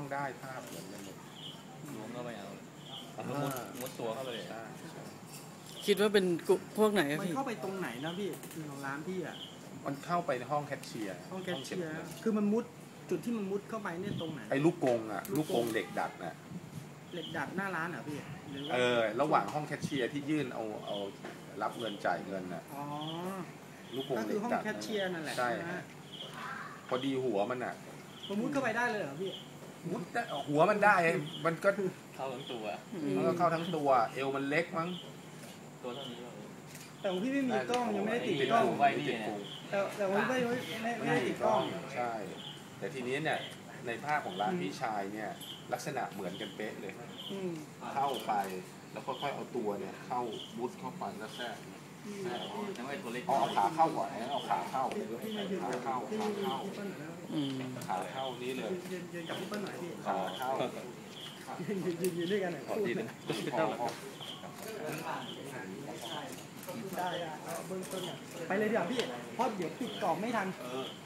ได้ภาพเหมือนกันหมดล้วงเข้าไปเอามุดตัวเข้าไปเลยได้คิดว่าเป็นพวกไหนครับมันพี่เข้าไปตรงไหนนะพี่ของร้านพี่อ่ะมันเข้าไปในห้องแคชเชียร์ห้องแคชเชียร์คือมันมุดจุดที่มันมุดเข้าไปเนี่ยตรงไหนไอ้ลูกกงอ่ะลูกกงเหล็กดัดน่ะเหล็กดัดหน้าร้านเหรอพี่ระหว่างห้องแคชเชียร์ที่ยื่นเอารับเงินจ่ายเงินน่ะอ๋อลูกกงเหล็ก็คือห้องกดัดแคชเชียร์นั่นแหละใช่พอดีหัวมันอ่ะมันมุดเข้าไปได้เลยเหรอพี่มุดหัวมันได้มันก็เข้าทั้งตัวมันก็เข้าทั้งตัวเอวมันเล็กมั้งตัวเท่านี้แต่ของพี่ไม่มีกล้องยังไม่ได้ติดกล้องไว้นี่แต่ว่าไม่ได้ติดกล้องใช่แต่ทีนี้เนี่ยในภาพของร้านพี่ชายเนี่ยลักษณะเหมือนกันเป๊ะเลยเข้าไปแล้วค่อยๆเอาตัวเนี่ยเข้ามุดเข้าไปแล้วแทรกเอาขาเข้าก่อนเอาขาเข้าขาเข้านี้เลยยืนกับพี่เปิ้ลหน่อยพี่ขาเข้ายืนด้วยกันหน่อยพูดหน่อยได้เบื้องต้นไปเลยเดี๋ยวพี่เพราะเดี๋ยวปิดกล่องไม่ทัน